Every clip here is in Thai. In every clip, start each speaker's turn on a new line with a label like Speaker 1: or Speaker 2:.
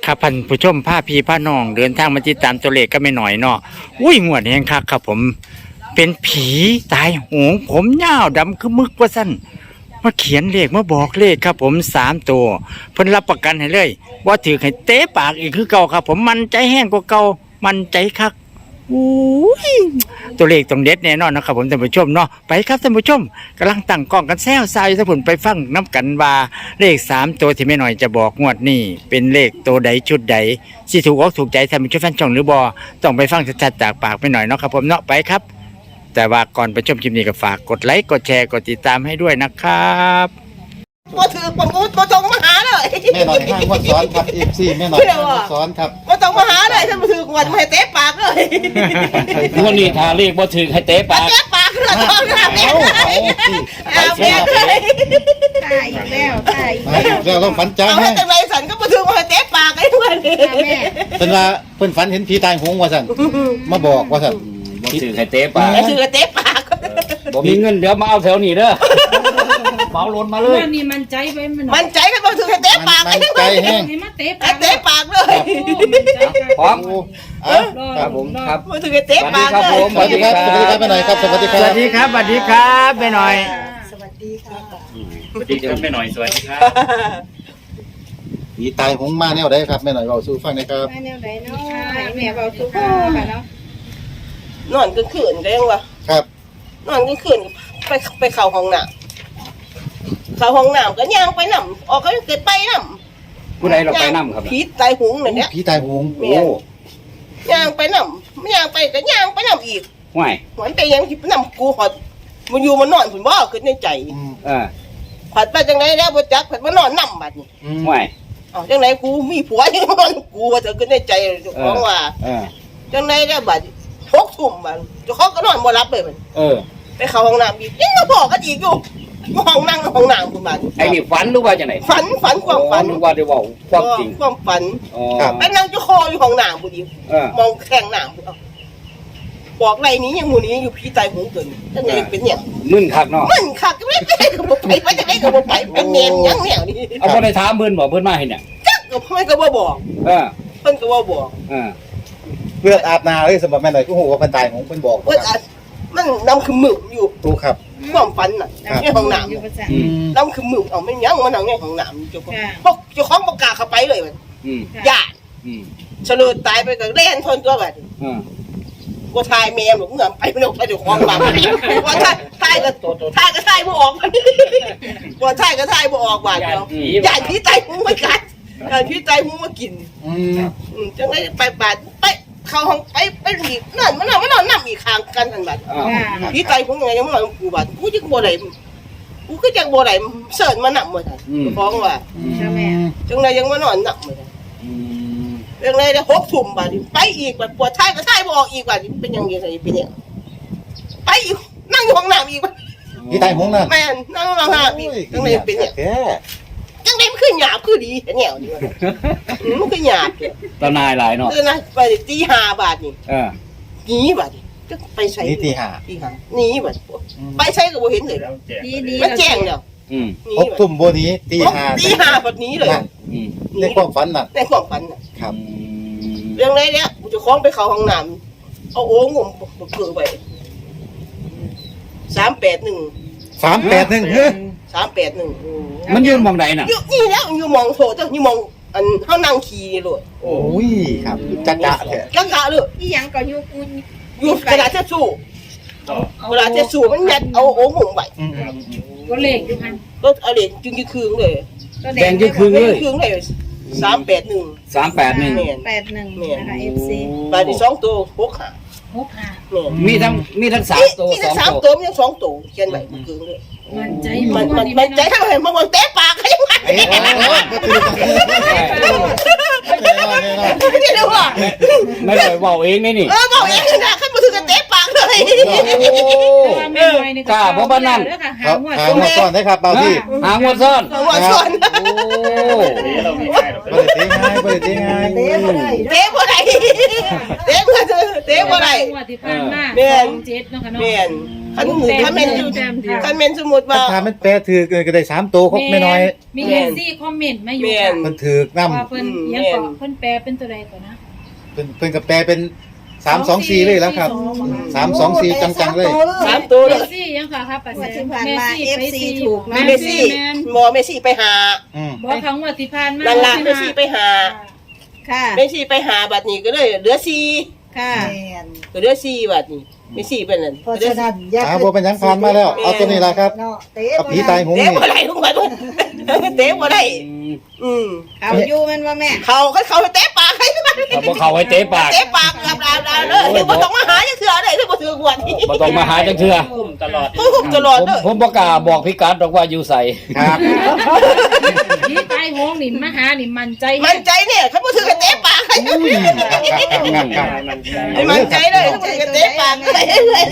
Speaker 1: ครับท่านผู้ชมผ้าพี่ผ้าน้องเดินทางมาติดตามตัวเลขก็ไม่หน่อยเนาะอุ้ยงวดแห่งคักครับผมเป็นผีตายโหงผมยาวดำคือมึกว่าสั้นมาเขียนเลขมาบอกเลขครับผม3 ตัวเพิ่นรับประกันให้เลยว่าถือให้เตะปากอีกคือเก่าครับผมมันใจแห้งกว่าเก่ามันใจคักอุ้ยตัวเลขต้องเด็ดแน่นอนนะครับผมท่านผู้ชมเนาะไปครับท่านผู้ชมกำลังตั้งกล้องกันแซวซายถ้าผมไปฟังน้ำกันว่าเลข3 ตัวที่ไม่หน่อยจะบอกงวดนี้เป็นเลขตัวใดชุดใดสิถูกอกถูกใจท่านผู้ชมแฟนช่องหรือบอต้องไปฟังชัดๆจากปากไม่หน่อยเนาะครับผมเนาะไปครับแต่ว่าก่อนไปชมคลิปนี้ก็ฝากกดไลค์กดแชร์กดติดตามให้ด้วยนะครับ
Speaker 2: บ่ถือประมูลบ่ต้องมาหาเลย
Speaker 3: แม่หน่อยห้างวัดซ้อนครับFC แม่หน่อยห้างวัดซ้อนครับ
Speaker 2: บ่ต้องมาหาเลยท่านบ่ถือกวนมาให้เตะปากเลย
Speaker 4: วันนี้ทาเรียกบ่ถึงให้เตะปาก
Speaker 2: เตะปากเลยต้องหาแม่เอาแม่เลย
Speaker 5: ตายอีกแล้วตายอีก
Speaker 3: มา
Speaker 5: แล้ว
Speaker 3: แล้วเราฝันจ้า
Speaker 2: เอา
Speaker 3: แม่
Speaker 2: ให้จังไรสันก็บ่ถือมาให้เตะปากไอ้ด้วยนี่
Speaker 5: ค่ะแม่
Speaker 3: เป็นว่าเพิ่นฝันเห็นผีตายโหงว่าซั่นมาบอกว่าซั่น
Speaker 4: บ่ถึงให้เตะปาก
Speaker 2: ไอ้ถือเตะปาก
Speaker 4: บ่มีเงินเดี๋ยวมาเอาแถวนี้เด้อเหมาลนมาเลย
Speaker 5: วันนี้มันใจไว้มัน
Speaker 2: มันใจกันบ่ถือให้เตะปาก
Speaker 3: มั
Speaker 2: ไอ้
Speaker 3: น
Speaker 2: ด้วย
Speaker 3: ใจแห้ง
Speaker 5: ให้มาเตะ
Speaker 2: ให้
Speaker 5: ปาก
Speaker 2: เตะปากเลย
Speaker 4: พร้อม
Speaker 3: โอ้อ่ะ
Speaker 4: ครับผมครับ
Speaker 2: บ่ถือให้เตะปาก
Speaker 4: สวัสดี
Speaker 2: เล
Speaker 4: ครับผม
Speaker 2: ย
Speaker 3: สวัสดีครับแม่หน่อยครับสวัสดีค
Speaker 1: ส
Speaker 3: รั
Speaker 1: วั
Speaker 3: บ
Speaker 1: สดีครับสวัสดีครับไม่หน่อย
Speaker 5: สวัสดีค่ะ
Speaker 4: สวัสดีครับแม่หน่อยสวัสดีครับ
Speaker 3: ผีตายโหงมาแนวใดครับแม่หน่อยเว้าสู่ฟังหน่อยครับ
Speaker 5: มาแนวไหนเนาะแม่เบาทุกข์ค่ะเนาะ
Speaker 2: นอนกลางคืนก็ยังว่า
Speaker 3: ครับ
Speaker 2: นอนกลางคืนไปเข้าห้องน้ำเข้าห้องน้ำก็ย่างไปนำออกก็เกิดไปนำ
Speaker 4: ผู้ใดเราไปนํครับ
Speaker 2: ผีตายหุงนั่นเนี่ย
Speaker 3: ผีตายโหง
Speaker 2: โอ้ย่างไปนำย่างไปก็ย่างไปนำอีก
Speaker 4: ห่วย
Speaker 2: หวนไปยังที่นำกูหอดมันอยู่มันนอนผุนบ่ขึ้นในใจ
Speaker 3: อืม
Speaker 4: เออ
Speaker 2: ผัดไปจังไรแล้วบ่จักผัดมานอนนำบัดนี้
Speaker 3: อืม
Speaker 4: ห่วย
Speaker 2: อ๋อจังไรกูมีผัวยังนอนกูว่าจะขึ้นในใจเจ้าของว่า
Speaker 4: เออ
Speaker 2: จังไรแล้วบัด6 ทุ่มบัดเจ้าของก็นอนบ่หลับเลยมัน
Speaker 4: เออ
Speaker 2: ไปเข้าห้องน้ำอีกยังมาบอกกันอีกอยู่ห้องนั่งห้องน้ำคุณบัด
Speaker 4: ไอ้นี่ฝันหรือว่าจังได๋
Speaker 2: ฝันความฝัน
Speaker 4: นึกว่าได้เว้าความจริง
Speaker 2: ความฝัน
Speaker 4: อ๋อ
Speaker 2: ไปนั่งจะคออยู่ห้องน้ำบุดี
Speaker 4: เออ
Speaker 2: มองแข่งน้ำบุบอกไรนี้ยังหมูนี้อยู่พี่ตายหูเกินจังไรเป็นเนี่ย
Speaker 4: มึนคักเนาะ
Speaker 2: มันคักก็ไม่ไปก็บ่ไปจะได้ก็บ่ไปเป็นเนมยังแนวนี้
Speaker 4: เอาบ่ได้ถามเพิ่นบ่เพิ่นมาให้เนี่ย
Speaker 2: จักก็ไม่ก็บ่บอก
Speaker 4: เออ
Speaker 2: เพิ่นก็บ่บอก
Speaker 4: เออ
Speaker 3: เลือดอาบนาเลยสำหรับแม่หน่อยก็โหว่าเพิ่นตายโหงเพิ่นบอก
Speaker 2: เพิ่นอาจมันนำคือมึกอยู่
Speaker 3: ถูกครับ
Speaker 2: ความฝันน่ะในห้องน้
Speaker 5: อยู่ประจ
Speaker 4: อืม
Speaker 2: ำนำคือมึกเอาไม่ยังมันนั่งในห้องน้ำเจ้าของ
Speaker 5: ค่ะ
Speaker 2: พวกเจ้าของประกาศเข้าไปเลยมัน
Speaker 4: อืม
Speaker 2: ญาติ
Speaker 4: อืม
Speaker 2: เฉลิดตายไปก็เล่นทนตัวบัด
Speaker 4: เออ
Speaker 2: บ่ทายแม่หลงเงินไปไม่ลงไปเจ้าของบ้านว่าทายก็ทายบ่ออกว่าทายก็ทายบ่ออกบาดเดียวญาติพี่ตายหูมากัดญาติพี่ตายหูมากิน
Speaker 3: อืม
Speaker 2: จังได๋ไปบาดไปเข้าห้องไปอีกนั่นมันนอนนำอีกข้างกันนั่นบัด
Speaker 4: อ้าว
Speaker 5: ค่ะ
Speaker 2: พี่ตายหูยังไงยังบ่นอนกูบาดกูจังบ่ได้กูก็จังบ่ได้เสิร์ชมานำบ่ทันฟ้องว่า
Speaker 5: ค่ะแม่
Speaker 2: จังได๋ยังมานอนนำบ่ทัน
Speaker 4: อืม
Speaker 2: จังได๋ได้6 ทุ่มบาดไปอีกบาดปวดท้ายก็ท้ายบ่ออกอีกบาดเป็นยังไงเป็นยังไปอีกนั่งอยู่ห้องน้ำอีก
Speaker 3: ผีตายโหงน่ะ
Speaker 2: แม่นนั่งห้องน้ำอีกจังได๋เป็นเนี่ย
Speaker 3: แก
Speaker 2: จังได๋มันคือหยาบคือดีแนวนี่มันคือหยาบ
Speaker 4: ตานายหลายเนาะ
Speaker 2: เออนะไปตี5 บาทนี่
Speaker 4: เออ
Speaker 2: หนีบาดนี่จะไปใช้
Speaker 3: นี่ตีห้า
Speaker 2: ตีห้าหนีบาดไปใช้ก็บ่เห็นเลย
Speaker 5: ดีดี
Speaker 2: มันแจ้งแล้ว
Speaker 4: อืม
Speaker 2: หนี
Speaker 3: พบ
Speaker 2: บัด
Speaker 3: ตุ่มโบนี้ตีห้า
Speaker 2: ตีห้าบัดนี้เลย
Speaker 3: นั่น
Speaker 4: อืม
Speaker 3: ในความฝันน่ะ
Speaker 2: ในความฝันน่ะ
Speaker 3: ครับ
Speaker 2: เรื่องไรเนี่ยกูจะคล้องไปเข้าห้องน้ำเอาโอ่งงมเกือไป381
Speaker 3: 381เฮ้ย
Speaker 2: 381
Speaker 4: มันยืนมองใดน่ะ
Speaker 2: อยู่นี่แล้วอยู่มองโถเจ้านี่มองอันเฮานั่งขี่นี่โลด
Speaker 3: โอ้ยครับจักจะแท้
Speaker 2: กังกะเลย
Speaker 5: อีหยังก็อยู่กู
Speaker 2: อยู่กระดาษเช็ดชู่กระดาษเช็ดชู่มันยัดเอาโอ่งงมไว้
Speaker 3: อืม
Speaker 5: ก็เลขอยู่หัน
Speaker 2: ก็เอาเหรียญจึงคืนเลย
Speaker 5: ก็
Speaker 4: แดงยืนครึ่งเลย
Speaker 2: คืนเลย381
Speaker 4: 381
Speaker 2: แม่น
Speaker 5: 81นะคะ FC
Speaker 2: บาทที่2ตัว6หา
Speaker 5: 65
Speaker 2: แม่น
Speaker 4: มีทั้ง3ตัว
Speaker 2: นี่ทั้ง
Speaker 4: 2
Speaker 2: 3
Speaker 4: ตัว
Speaker 2: ตัวมีทั้ง2ตัวเขียนไว้คืนเลย
Speaker 5: มันใจ
Speaker 2: มันใจทำไมมันเตะปากยังไง
Speaker 3: เอ้ยก็คือแน่นอนแน่นอน
Speaker 2: นี่ดูว่า
Speaker 4: ไม่ได้เว้าเองนี่นี่
Speaker 2: บอกเองนะขึ้นมาถึงกันเตะปากเลย
Speaker 4: กล้าบ่บ้านนั่น
Speaker 3: ครับหามาซ่อนได้ครับเบาที่
Speaker 4: หางวดซ่อน
Speaker 2: หัวชน
Speaker 4: โอ้
Speaker 3: บ่ได้ตีง่ายบ่ได้ตีง่าย
Speaker 2: เตะบ่ได้เตะบ่ได้เตะบ่ได้
Speaker 5: ที่ผ่านมา7เนาะค่ะเนาะ
Speaker 2: แม่น
Speaker 4: อืม
Speaker 2: คันแม่นอยู่คันแม่นสมมุติว่า
Speaker 3: ถ้ามันแปลถือก็ได้3ตัวครบไม่น้อย
Speaker 5: มีเอฟซีคอมเมนต์มาอยู่ค่ะ
Speaker 3: มันถือนำ
Speaker 5: ว่าเพิ่นยังเกาะเพิ่นแปลเป็นตัวใดก่อนนะ
Speaker 3: เพิ่นก็แปลเป็น324เลยแล้วครับ324จังๆเลย
Speaker 2: 3ตัว
Speaker 5: เม
Speaker 2: เลย
Speaker 5: ซี่ยังค่ะครับป้าแซ
Speaker 6: ที่
Speaker 5: ม
Speaker 6: ผ่าน
Speaker 5: เม
Speaker 6: มา
Speaker 5: ซี่ไป
Speaker 6: FC
Speaker 5: ซี
Speaker 6: ถูก
Speaker 2: เมซี่เมซี่ไปหา
Speaker 5: บอกครั้งว่าที่ผ่านมา
Speaker 2: นั่นล่ะเมซี่ไปหา
Speaker 6: ค่ะ
Speaker 2: เมซี่ไปหาบัดนี้ก็เลยเหลือ4
Speaker 6: ค่ะ
Speaker 2: ก็เหลือ4บัดนี้เมซี่เป็นนั่น
Speaker 6: เพราะฉะนั้นอย่า
Speaker 3: บ่เป็นหยังผ่านมาแล้วเอาตัวนี้ล่ะครับ
Speaker 6: เนาะเตะ
Speaker 3: เอาผีตายโหง
Speaker 2: เตะ
Speaker 3: นี่
Speaker 2: บ่ได้ทุกคนเตะบ่ได้
Speaker 6: เอาอยู่แมันว่าแม่
Speaker 2: เขาเตะปากให้
Speaker 4: ถ้าบ่เข้าให้เตะปาก
Speaker 2: เตะปากกับดาวเลยบ่ต้องมาหาจังเทื่อได้ถ้าบ่ถือหวดนี่
Speaker 4: บ่ต้องมาหาจังเทื่อ
Speaker 2: ตลอดตลอด
Speaker 4: ผมบ่กล้าบอกพิกัดดอกว่าอยู่ไส
Speaker 3: ครับ
Speaker 5: ที่ตายโหงนี่มาหานี่มันใจ
Speaker 2: มันใจเนี่ยเขาบ่ถือเตะปากให้ มันใจเลยเขาบ่ถือเตะปากเลย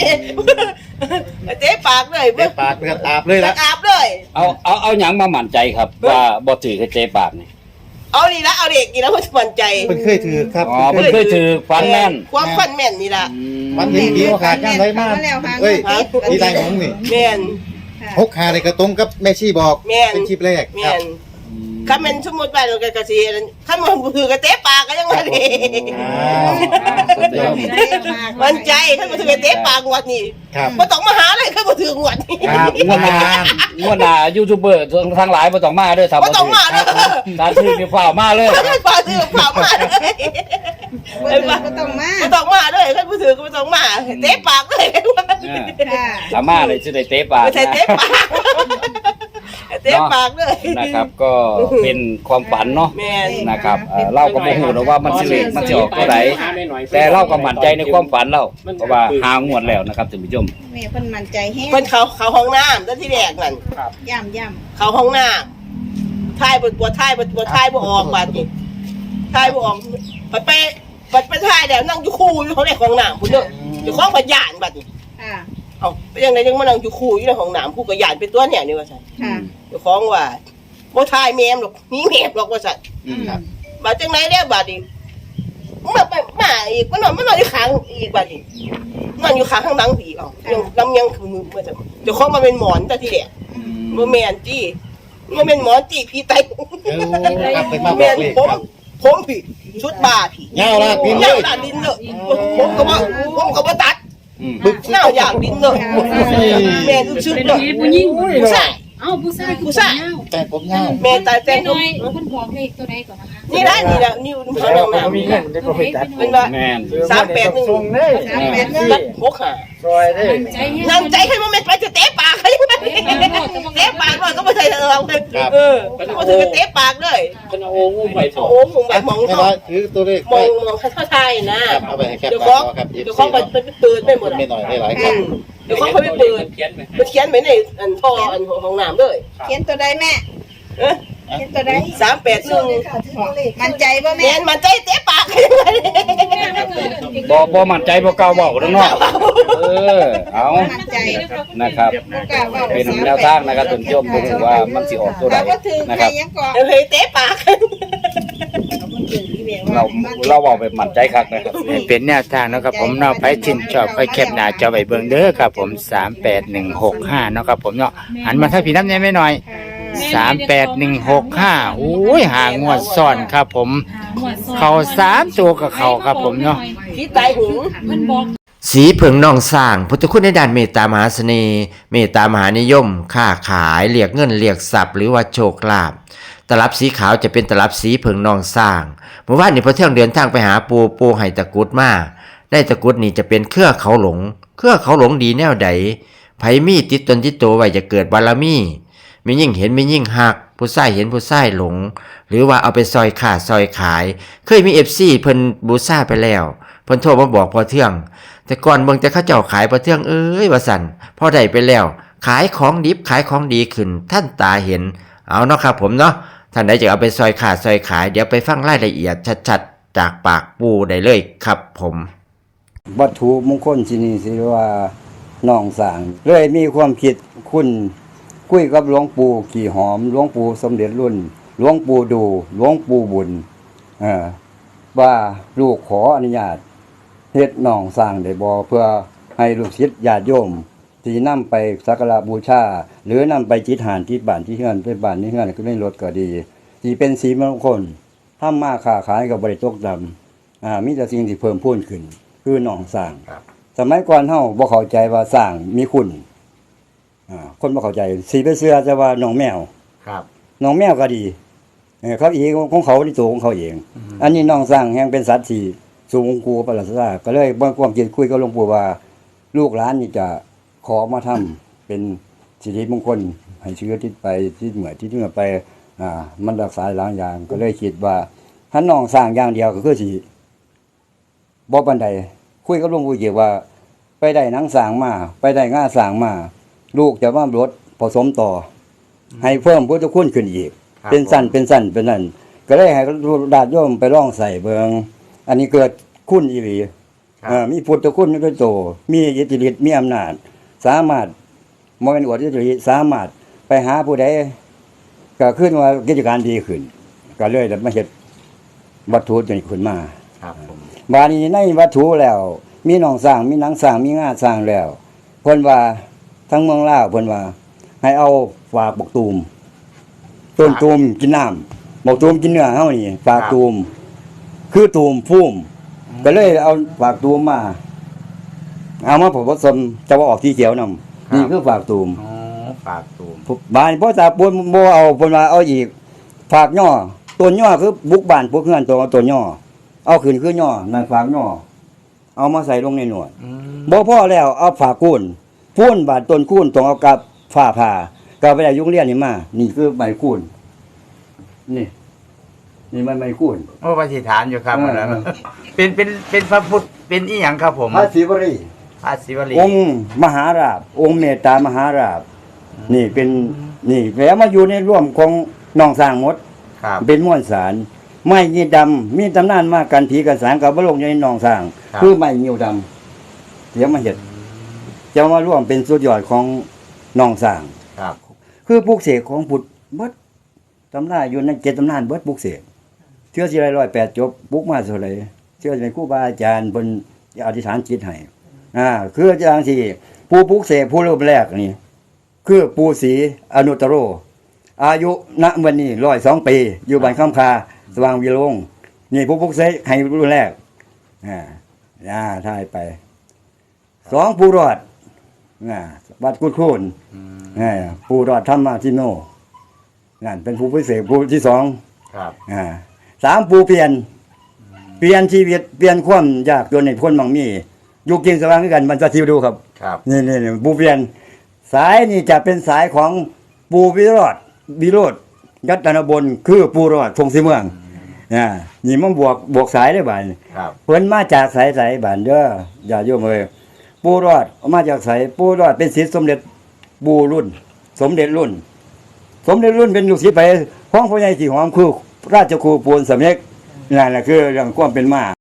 Speaker 2: เตะปากเลย
Speaker 3: เตะปากเลือดอาบเลยล่ะ
Speaker 2: อาบเลย
Speaker 4: เอาหยังมามั่นใจครับ ว่าบ่ถือให้เตะปากนี่
Speaker 2: เอานี่ละเอาเด็กนี่ละมันมั่นใจ
Speaker 3: เพิ่นเคยถือครับ
Speaker 4: อ๋อเพิ่นเคยถือฟันแม่น
Speaker 2: ความฟันแม่นนี่ล่ะ
Speaker 3: มันเห็นผีโอกาสย่ำไรมากเอ้ยผีตายโหงนี่
Speaker 2: แม่น
Speaker 3: 6-5นี่ก็ตรงกับแม่ชีบอก
Speaker 2: แม่น
Speaker 3: เป็นคลิปแรกค
Speaker 2: แม่
Speaker 3: รับ
Speaker 2: นคันแม่นสมมุติว่าเราก็สิคันมันถือกระเตะปากก็ยังว่าดิ
Speaker 3: อ้าว
Speaker 2: มั่นใจคันบ่ถือกระเตะปากงวดนี่
Speaker 3: ครับ
Speaker 2: บ่ต้องมาหาเลยคันบ่ถืองวดนี่
Speaker 3: ครับ
Speaker 4: งวดหน้ายูทูบเบอร์ทั้งหลายบ่ต้องมาเด้อถ้า
Speaker 2: บ่
Speaker 4: บ่
Speaker 2: ต้อ
Speaker 4: ถื
Speaker 2: ง
Speaker 4: อ
Speaker 2: มาเด้อ
Speaker 4: ถ้าถือนี่ฟ้าวมาเลย
Speaker 2: คันบ่ถือผ่ามาเลย
Speaker 6: ก็ต้องมา
Speaker 2: บ่ต้องมาเลยคันบ่ถือก็บ่ต้องมาเตะปากเลย
Speaker 6: ค่ะ
Speaker 4: ถ้ามาเลยสิได้เตะปาก
Speaker 2: ไม่ใช่เตะปากเตะปากเลย
Speaker 4: นะครับก็เป็นความฝันเนาะ
Speaker 2: แม่น
Speaker 4: นะครับเราก็บ่ฮู้หรอกว่ามันสิเลขมันสิออกตัวใดแต่เราก็มั่นใจในความฝันเราเพราะว่าหางวดแล้วนะครับท่านผู้ชม
Speaker 6: แม่เพิ่นมั่นใจแฮง
Speaker 2: เพิ่นเขาห้องน้ำตอนที่แรกนั่น
Speaker 6: ย่ำ
Speaker 2: เขาห้องน้ำถ่ายบ่ถ่ายบ่ออกบาดนี้ถ่ายบ่ออกไปถ่ายแล้วนั่งอยู่คู่อยู่ของในห้องน้ำพุ่นเด้ออยู่ของพยานบาดนี้
Speaker 6: ค่ะ
Speaker 2: เอ้าไปยังไงยังมานั่งอยู่คู่อยู่ในห้องน้ำผู้ก็ยานเป็นตัวเนี่ยนี่ว่าซั่น
Speaker 6: ค่ะ
Speaker 2: อยู่ของว่าบ่ถ่ายแม่มหรอกหนีแม่มหรอกว่าซั่น
Speaker 3: ครับ
Speaker 2: บาดจังไหนแล้วบาดนี้มาอีกมันนอนอยู่ข้างอีกบาดนี้มันอยู่ข้างหลังอีกเอ้ายังลำยังคือมือเจ้าของมาเป็นหมอนแต่ที่แรกบ่แม่นจี้บ่แม่นหมอนจี้พี่ไต
Speaker 3: ครับเป็นมาบ
Speaker 2: แม่
Speaker 3: อก
Speaker 2: น
Speaker 3: เลย
Speaker 2: ผมพี่ชุดบาพี่
Speaker 3: เงาละพินเล
Speaker 2: เงาย ด่านดินเลยผมก็บ่ตัด
Speaker 3: บึก
Speaker 2: เงาอย่างดินเลยแม่ชุด
Speaker 5: เป็น
Speaker 2: เลย
Speaker 5: ผีผู้หญิง
Speaker 2: ผู้ชาย
Speaker 5: เอ้าผู้ชาย
Speaker 2: ผู้ชาย
Speaker 3: แต่ผมเงา
Speaker 2: แม่ตายแต่
Speaker 5: แต่
Speaker 2: ง
Speaker 5: น้อยเพิ่นบอกเลขตัวใดก่อนนะคะ
Speaker 2: นี่นะนี่เขาลงน้ำเป็นว่า
Speaker 4: แม่น
Speaker 2: 381รัด65
Speaker 5: ใจแฮง
Speaker 2: นั่งใจให้มันไปจะเตะปากให้เตะปากเลยก็ไม่ใช่เราก็ถือเตะปากเลย
Speaker 4: เป็นโอ้งูไปโถ
Speaker 2: โอ้โหแบบมอง
Speaker 3: ไม่
Speaker 2: เขา
Speaker 3: ว่าถือตัวเลข
Speaker 2: ม
Speaker 3: ไป
Speaker 2: องเขาไทยนะ
Speaker 3: เอาไปให้แคป
Speaker 2: เดี๋ยว
Speaker 3: หน้า
Speaker 2: เขา
Speaker 3: จอครับ
Speaker 2: เดี๋ยวเขาไปเปิดไม่หมด
Speaker 3: ไม่หน่อยได้หลายครับ
Speaker 2: เดี๋ยวเขาไปเปิดไปเขียนไว้ในอันท่ออันของน้ำเลย
Speaker 6: เขียนตัวใดแม่เขียนตัวใด
Speaker 2: 381
Speaker 6: มั่นใจบ่
Speaker 2: แม
Speaker 6: แม่
Speaker 2: นมันใจเตะปาก
Speaker 4: บ่มั่นใจบ่กล้าเว้าเด้อเนาะเอา
Speaker 6: มั่นใจ
Speaker 4: นะครับ
Speaker 6: บ่กล้าเว้า
Speaker 4: เป็นแนวทางนะครับท่านผู้ชมบ่รู้ว่ามันสิออกตัวใด
Speaker 6: เราก็ถือ
Speaker 4: นะ
Speaker 6: ใค
Speaker 4: ค
Speaker 6: ร
Speaker 4: รับ
Speaker 6: ยังเกาะ
Speaker 2: เลยเตะปาก
Speaker 4: เราเว้าแบบมั่นใจคักนะครับ
Speaker 1: ให้เป็นแนวทางเนาะครับผมเนาะไปชินชอบไปแคปหน้าจอไว้เบิ่งเด้อครับผม38165เนาะครับผมเนาะหันมาถ้าพี่น้ำเนี่ยไม่หน่อย38165โอ้ยหางวดซ่อนครับผมเข้า3ตัวกับเขาครับผมเนาะ
Speaker 2: พี่ตายหู
Speaker 5: เพิ่นบอก
Speaker 7: สีเผิงนองสร้างพุทธคุณในด้านเมตตามหาเสน่ห์เมตตามหานิยมค้าขายเรียกเงินเรียกทรัพย์หรือว่าโชคลาภตลับสีขาวจะเป็นตลับสีเผิงนองสร้างเมื่อวานนี้พอเที่ยงเดินทางไปหาปูไห้ตะกุดมาได้ตะกุดนี่จะเป็นเครือเขาหลงดีแนวใดไผมีติดตนติดตัวไว้จะเกิดบารมีมียิ่งเห็นมียิ่งหักผู้ใส่เห็นผู้ใส่หลงหรือว่าเอาไปซอยขาดซอยขายเคยมี FC เพิ่นบูซ่าไปแล้วเพิ่นโทรมาบอกพอเที่ยงแต่ก่อนเบิ่งแต่เขาเจ้าขายพอเที่ยงเอ้ยว่าสั่นพอได้ไปแล้วขายของดิบขายของดีขึ้นท่านตาเห็นเอาเนาะครับผมเนาะท่านใดจะเอาไปซอยขาดซอยขายเดี๋ยวไปฟังรายละเอียดชัดๆจากปากปูได้เลยครับผม
Speaker 8: วัตถุมงคลที่นี่สิว่าน้องสางเลยมีความคิดคุณคุยกับหลวงปู่ขี่หอมหลวงปู่สมเด็จรุ่นหลวงปู่ดูหลวงปู่บุญว่าลูกขออนุญาตเฮ็ดน้องสร้างได้บ่เพื่อให้ลูกศิษย์ญาติโยมที่นำไปสักการะบูชา หรือนำไปจิตหานที่บ้านที่เฮือนไปบ้านนี้เฮือนก็ไม่ลดก็ดีที่เป็นสีมงคลทำมาค้าขายกับบริตกดำมีแต่สิ่งที่เพิ่มพูนขึ้น คือหนองสร้างสมัยก่อนเฮาบ่เข้าใจว่าสร้างมีคุณคนบ่เข้าใจสีไปเสื้อจะว่าหนองแมว
Speaker 1: ครับ
Speaker 8: หนองแมวก็ดีเขาเองของเขาที่ตัวของเขาเอง อันนี้หนองสร้างแห่งเป็นสัตว์ที่สูงกูประหลาดซาก็เลยบ่ความคิดคุยกับหลวงปู่ว่าลูกหลานนี่จะขอมาทำเป็นสิริมงคลให้เชื้อที่ไปที่เหมือที่เหนือไปมันรักษาหลายอย่างก็เลยคิดว่าถ้าหนองสร้างอย่างเดียวก็คือสิบ่ปานใดคุยกับหลวงปู่เกี่ยวว่าไปได้หนังสร้างมาไปได้ง่าสร้างมาลูกจะว่ารถผสมต่อให้เพิ่มพุทธคุณขึ้นอีกเป็นสั้นเป็นนั่นก็เลยให้ญาติโยมไปร้องใส่เบิงอันนี้เกิดคุณอีหลีมีพุทธคุณด้วยโตมีอิทธิฤทธิ์มีอำนาจสามารถบ่แม่นอวดอิทธิฤทธิ์สามารถไปหาผู้ใดก็ขึ้นว่ากิจการดีขึ้นก็เลยได้มาเฮ็ดวัตถุจนขึ้นมา
Speaker 1: ครับผม
Speaker 8: บาดนี้ในวัตถุแล้ว มีหนองสร้างมีหนังสร้างมีง่าสร้างแล้วเพิ่นว่าทั้งเมืองลาวเพิ่นว่าให้เอาฝากบักตูมต้นตูมกินน้ำบักตูมกินเนื้อเฮานี่ฝากตูมคือตูมพุ่มก็เลยเอาฝากตูมมาเอามาผสมจะว่าออกสีเขียวนำนี่คือฝากตูม
Speaker 1: อ๋อฝากตูม
Speaker 8: บานบ่ตาปูนบ่เอาเพิ่นว่าเอาอีกฝากย่อต้นย่อคือบุกบ้านพวกเฮือนตัวต้นย่อเอาขึ้นคือย่อนั่นฝากย่อเอามาใส่ลงในหนวดบ่พอแล้วเอาฝากคูนพูนบาดต้นคูนต้องเอากับฝ้าผ่าก็ไปได้ยุงเรียนนี่มานี่คือไม้คูนนี่มันไม้คูน
Speaker 1: โอ้ปฏิฐานอยู่ครับ
Speaker 8: เออ
Speaker 1: อันนั้นเป็นพระพุทธเป็นอีหยังครับผม
Speaker 8: พระศิวรี
Speaker 1: พระศิวลี
Speaker 8: องค์มหาราชองค์เมตตามหาราชนี่เป็นนี่แล้วมาอยู่ในร่วมของน้องสร้างหมด
Speaker 1: ครับ
Speaker 8: เป็นม้วนสารไม้ยีดำมีตำนานมากกันผีกันสางกับพระลงในหนองสร้าง
Speaker 1: ครับ
Speaker 8: คือไม้ยิวดำเดี๋ยวมาเห็ดจะมาร่วมเป็นสุดยอดของหนองสร้าง
Speaker 1: ครับ
Speaker 8: คือปลูกเสกของพุทธเบิดตำนานอยู่ใน7ตำนานเบิดปลูกเสกเชื่อสิไร108จบปลูกมาเท่าไหร่เชื่อสิเป็นครูบาอาจารย์เพิ่นอธิษฐานจิตให้คืออาจารย์สิผู้ปลูกเสกผู้รูปแรกนี่คือปู่ศรีอนุตตโร อายุณวันนี้102 ปีอยู่บ้านคำคาสว่างวิโรงนี่ผู้ปลุกเสกให้รุ่นแรกถ่ายไป2ผู้รอดวัดกุดโคนผู้รอดธรรมทิโนนั่นเป็นผู้ปลุกเสกผู้ที่2
Speaker 1: ครับ
Speaker 8: 3ผู้เปลี่ยนชีวิตเปลี่ยนความยากจนในพ้นมั่งมีอยู่กินสว่างด้วยกันมันจะทิวดูครับ
Speaker 1: ครับ
Speaker 8: นี่ผู้เปลี่ยนสายนี่จะเป็นสายของปู่วิโรธยัตนบลคือปู่รอดพงศรีเมืองนี่มันบวกสายได้บ่าน
Speaker 1: ครับ
Speaker 8: เพิ่นมาจากสายบ้านเด้ออย่าโยมเอ้ยปู่รอดมาจากสายปู่รอดเป็นศิษย์สมเด็จปู่รุ่น สมเด็จรุ่นเป็นลูกศิษย์ไปของพ่อใหญ่ที่หอมคือราชครูปูนสำเร็จนั่นแหละคือเรื่องความเป็นมา